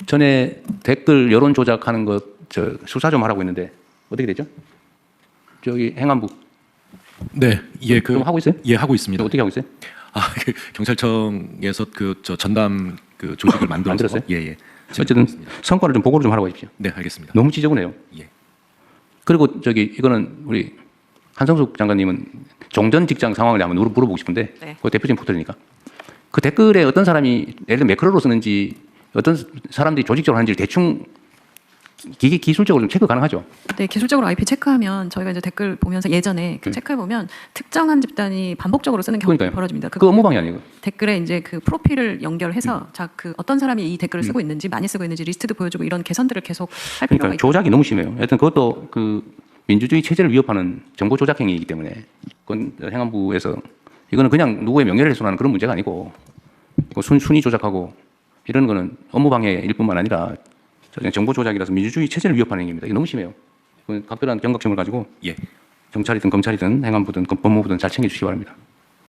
전에 댓글 여론 조작하는 것 수사 좀 하라고 했는데 어떻게 되죠? 저기 행안부 네, 예, 좀 하고 있어요? 예, 하고 있습니다. 어떻게 하고 있어요? 경찰청에서 전담 조직을 만들었어요. 만들었어요? 예, 예. 어쨌든 성과를 좀 보고를 좀 하라고 하십시오. 네, 알겠습니다. 너무 지저분해요. 예. 그리고 이거는 우리 한성숙 장관님은 종전 직장 상황을 한번 물어보고 싶은데 네. 그 대표적인 포털이니까 그 댓글에 어떤 사람이 예를 들어 매크로로 쓰는지 어떤 사람들이 조직적으로 하는지 대충 기술적으로 좀 체크 가능하죠. 네, 기술적으로 IP 체크하면 저희가 이제 댓글 보면서 예전에 체크해 보면 특정한 집단이 반복적으로 쓰는 경우가 그러니까요. 벌어집니다. 그 업무방해 아니에요? 댓글에 이제 그 프로필을 연결해서 그 어떤 사람이 이 댓글을 쓰고 있는지 많이 쓰고 있는지 리스트도 보여주고 이런 개선들을 계속 할 필요가 그러니까 있죠. 조작이 너무 심해요. 하여튼 그것도 그 민주주의 체제를 위협하는 정보 조작 행위이기 때문에 그건 행안부에서 이거는 그냥 누구의 명예를 훼손하는 그런 문제가 아니고 순위 조작하고 이런 거는 업무방해일 뿐만 아니라 정보 조작이라서 민주주의 체제를 위협하는 행위입니다. 이게 너무 심해요. 각별한 경각심을 가지고 예. 경찰이든 검찰이든 행안부든 법무부든 잘 챙겨주시기 바랍니다.